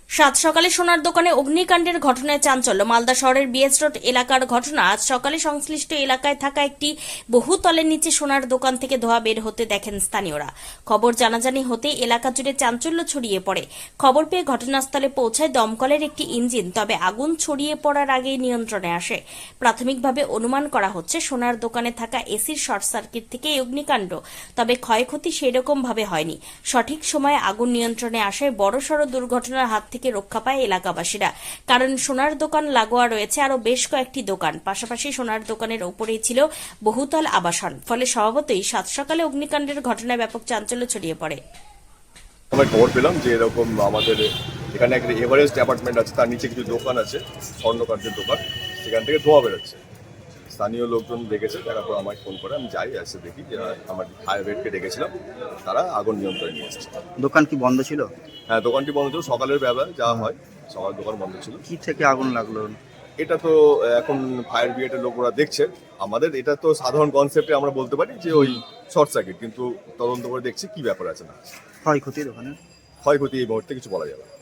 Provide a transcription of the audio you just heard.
সাত সকালে সোনার দোকানে অগ্নিকাণ্ডের ঘটনায় চাঞ্চল্য। মালদা শহরের বিএস রোড এলাকার ঘটনা। আজ সকালে সংশ্লিষ্ট এলাকায় থাকা একটি বহুতলের নিচে সোনার দোকান থেকে ধোঁয়া বের হতে দেখেন স্থানীয়রা। খবর জানাজানি হতেই এলাকা জুড়ে চাঞ্চল্য ছড়িয়ে পড়ে। খবর পেয়ে ঘটনাস্থলে পৌঁছায় দমকলের একটি ইঞ্জিন, তবে আগুন ছড়িয়ে পড়ার আগেই নিয়ন্ত্রণে আসে। প্রাথমিকভাবে অনুমান করা হচ্ছে সোনার দোকানে থাকা এসির শর্ট সার্কিট থেকে এই অগ্নিকাণ্ড, তবে ক্ষয়ক্ষতি সেরকম ভাবে হয়নি। সঠিক সময়ে আগুন নিয়ন্ত্রণে আসায় বড়সড় দুর্ঘটনার হাত থেকে রক্ষা পায় এলাকাবাসীরা। কারণ সোনার দোকান লাগোয়া রয়েছে আরো বেশ কয়েকটি দোকান, পাশাপাশি সোনার দোকানের ওপরেই ছিল বহুতল আবাসন। ফলে স্বভাবতই সাত সকালে অগ্নিকাণ্ডের ঘটনায় ব্যাপক চাঞ্চল্য ছড়িয়ে পড়ে। আমরা খবর পেলাম যে এরকম আমাদের এখানে একটা এভারেস্ট অ্যাপার্টমেন্ট আছে, তার নিচে কিছু দোকান আছে, স্বর্ণকার্যের দোকান, সেখান থেকে ধোঁয়া বেরোচ্ছে। স্থানীয় লোকজন দেখেছে, তারপর আমায় ফোন করে আমি যাই, এসে দেখি যে আমার ফায়ার ব্রিগেডকে ডেকেছিলাম, তারা আগুন নিয়ন্ত্রণে নিয়ে এসেছে। দোকান কি বন্ধ ছিল? হ্যাঁ, দোকানটি বন্ধ ছিল, সকালের বেলা যা হয় সকাল দোকান বন্ধ ছিল। কি থেকে আগুন লাগলো? এটা তো এখন ফায়ার ব্রিগেডের লোকরা দেখছে। আমাদের এটা তো সাধারণ কনসেপ্টে আমরা বলতে পারি যে ওই শর্ট সার্কিট, কিন্তু তদন্ত করে দেখছি কি ব্যাপার আছে না। ক্ষয়ক্ষতি দোকানে? ক্ষয়ক্ষতি এই মুহূর্তে কিছু বলা যাবে না।